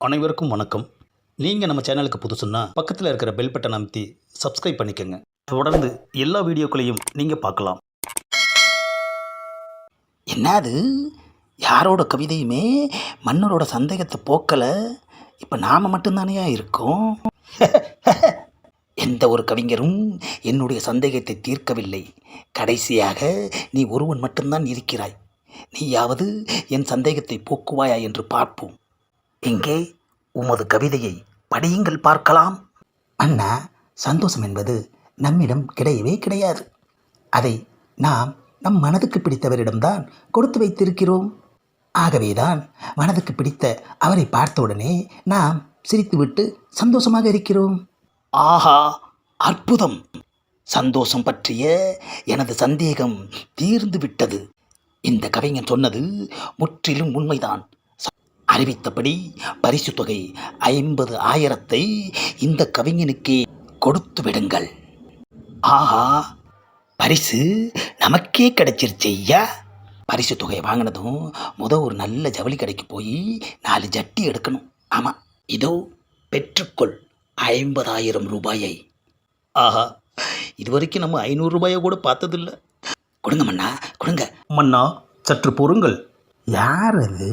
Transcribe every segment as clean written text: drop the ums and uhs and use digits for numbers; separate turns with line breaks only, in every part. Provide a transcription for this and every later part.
அனைவருக்கும் வணக்கம். நீங்கள் நம்ம சேனலுக்கு புதுசுன்னா பக்கத்தில் இருக்கிற பெல் பட்டன் அமைத்தி சப்ஸ்கிரைப் பண்ணிக்கோங்க. தொடர்ந்து எல்லா வீடியோக்களையும் நீங்கள் பார்க்கலாம்.
என்னது யாரோட கவிதையுமே மன்னரோட சந்தேகத்தை போக்கலை. இப்போ நாம் மட்டும்தானே இருக்கோம். எந்த ஒரு கவிஞரும் என்னுடைய சந்தேகத்தை தீர்க்கவில்லை. கடைசியாக நீ ஒருவன் மட்டும்தான் இருக்கிறாய். நீயாவது என் சந்தேகத்தை போக்குவாயா என்று பார்ப்போம். எங்கே உமது கவிதையை படியுங்கள் பார்க்கலாம். அண்ணா, சந்தோஷம் என்பது நம்மிடம் கிடையவே கிடையாது. அதை நாம் நம் மனதுக்கு பிடித்தவரிடம்தான் கொடுத்து வைத்திருக்கிறோம். ஆகவேதான் மனதுக்கு பிடித்த அவரை பார்த்தவுடனே நாம் சிரித்துவிட்டு சந்தோஷமாக இருக்கிறோம். ஆஹா, அற்புதம்! சந்தோஷம் பற்றிய எனது சந்தேகம் தீர்ந்து விட்டது. இந்த கவிஞன் சொன்னது முற்றிலும் உண்மைதான். அறிவித்தபடி பரிசு தொகை 50,000 இந்த கவிஞனுக்கே கொடுத்து விடுங்கள். ஆஹா, பரிசு நமக்கே கிடைச்சிருச்சு ஐயா. பரிசு தொகையை வாங்கினதும் ஒரு நல்ல ஜவுளி கடைக்கு போய் 4 ஜட்டி எடுக்கணும். ஆமாம், இதோ பெற்றுக்கொள் 50,000 ரூபாயை.
ஆஹா, இது வரைக்கும் நம்ம 500 ரூபாயை கூட பார்த்ததில்ல.
கொடுங்க மன்னா, கொடுங்க.
மன்னா, சற்று பொறுங்கள்.
யார் அது?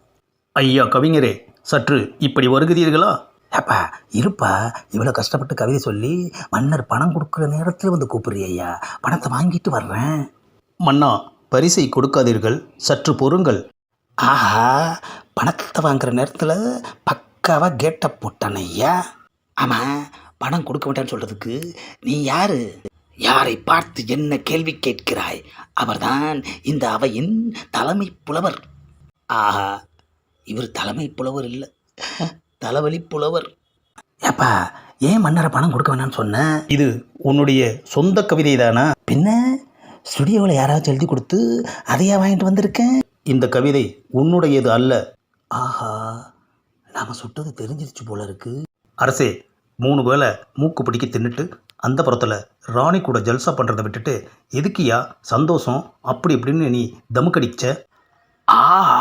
ஐயா கவிஞரே, சற்று இப்படி வருகிறீர்களா?
ஏப்பா இருப்பா, இவ்வளோ கஷ்டப்பட்டு கவிதை சொல்லி மன்னர் பணம் கொடுக்குற நேரத்தில் வந்து கூப்பிடுறியா? பணத்தை வாங்கிட்டு வர்றேன்.
மன்னா, பரிசை கொடுக்காதீர்கள், சற்று பொறுங்கள்.
ஆஹா, பணத்தை வாங்குற நேரத்தில் பக்காவாக கேட்டை போட்டானே ஐயா. ஆமாம், பணம் கொடுக்க மாட்டேன்னு சொல்கிறதுக்கு நீ யார்? யாரை பார்த்து என்ன கேள்வி கேட்கிறாய்? அவர்தான் இந்த அவையின் தலைமை புலவர். ஆஹா, இவர் தலைமை புலவர் இல்லை, தலைவலி புலவர். ஏப்பா, ஏன் மன்னரை பணம் கொடுக்க வேணான்னு சொன்ன?
இது உன்னுடைய சொந்த கவிதை தானா?
பின்ன ஸ்டுடியோவில் யாராச்சும் எழுதி கொடுத்து அதையா வாங்கிட்டு வந்திருக்கேன்.
இந்த கவிதை உன்னுடையது அல்ல.
ஆஹா, நாம் சுட்டது தெரிஞ்சிருச்சு போல இருக்கு.
அரசே, 3 வேளை மூக்கு பிடிக்க தின்னுட்டு அந்த புறத்தில் ராணி கூட ஜல்சா பண்ணுறதை விட்டுட்டு எதுக்கியா சந்தோஷம் அப்படி இப்படின்னு நீ தமுக்கடிச்ச?
ஆஹா,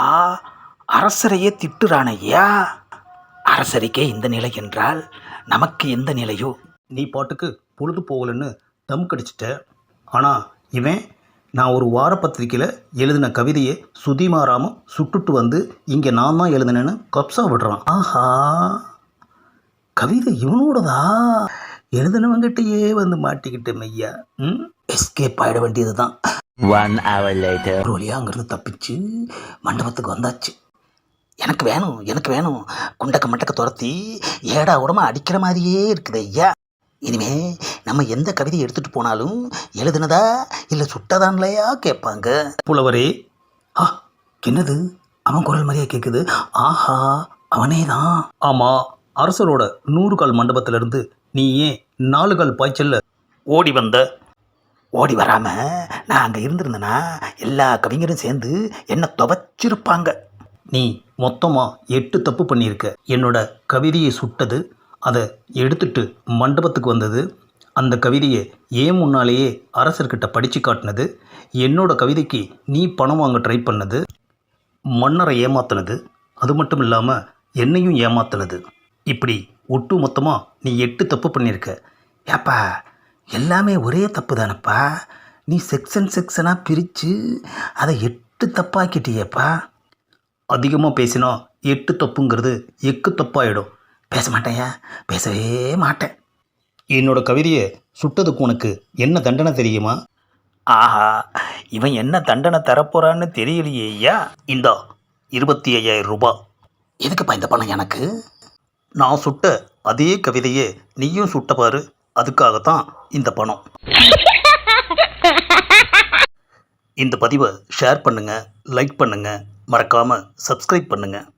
அரசரையே திட்டுறானையா. அரசருக்கே இந்த நிலை என்றால் நமக்கு எந்த நிலையோ?
நீ பாட்டுக்கு பொழுது போகலன்னு தம் கடிச்சிட்ட. ஆனால் இவன் நான் ஒரு வார பத்திரிக்கையில் எழுதின கவிதையை சுதிமாராமல் சுட்டுட்டு வந்து இங்கே நான் தான் எழுதினேன்னு கப்ஸா விடுறான்.
ஆஹா, கவிதை இவனோடதா? எழுதினவங்கிட்டயே வந்து மாட்டிக்கிட்டு மையா. எஸ்கேப் ஆகிட வேண்டியது தான்.
1 hour later.
ஒரு வழியாக அங்கேருந்து தப்பிச்சு மண்டபத்துக்கு வந்தாச்சு. எனக்கு வேணும், எனக்கு வேணும். குண்டக்க மண்டக்க துரத்தி ஏடா உடம்பா அடிக்கிற மாதிரியே இருக்குது ஐயா. இனிமே நம்ம எந்த கவிதையை எடுத்துகிட்டு போனாலும் எழுதுனதா இல்லை சுட்டதான்லையா கேட்பாங்க.
புலவரே.
என்னது அவன் குரல் மாதிரியே கேட்குது? ஆஹா, அவனே தான்.
ஆமாம், அரசரோட 100 கால் மண்டபத்திலிருந்து நீ ஏன் 4 கால் பாய்ச்சல்ல ஓடி வந்த?
ஓடி வராமல் நான் அங்கே இருந்திருந்தேன்னா எல்லா கவிஞரும் சேர்ந்து என்னை துவைச்சிருப்பாங்க.
நீ மொத்தமாக 8 தப்பு பண்ணியிருக்க. என்னோட கவிதையை சுட்டது, அதை எடுத்துட்டு மண்டபத்துக்கு வந்தது, அந்த கவிதையை ஏன் முன்னாலேயே அரசர்கிட்ட படித்து காட்டினது, என்னோட கவிதைக்கு நீ பணம் வாங்க ட்ரை பண்ணது, மன்னரை ஏமாத்தினது, அது மட்டும் இல்லாமல் என்னையும் ஏமாத்தினது. இப்படி ஒட்டு மொத்தமாக நீ 8 தப்பு பண்ணியிருக்க.
ஏப்பா, எல்லாமே ஒரே தப்பு தானப்பா. நீ செக்ஷனாக பிரித்து அதை 8 தப்பாக்கிட்டியேப்பா.
அதிகமாக பேசினா 8 தப்புங்கிறது எக்கு தப்பாயிடும்.
பேச மாட்டேயா, பேசவே மாட்டேன்.
என்னோட கவிதையை சுட்டதுக்கு உனக்கு என்ன தண்டனை தெரியுமா?
ஆஹா, இவன் என்ன தண்டனை தரப்போறான்னு தெரியலையே ஐயா.
இந்தா 25,000 ரூபாய்.
எதுக்குப்பா இந்த பணம் எனக்கு?
நான் சுட்ட அதே கவிதையை நீயும் சுட்ட பாரு, அதுக்காகத்தான் இந்த பணம். இந்த பதிவை ஷேர் பண்ணுங்கள், லைக் பண்ணுங்கள், மறக்காமல் சப்ஸ்கிரைப் பண்ணுங்கள்.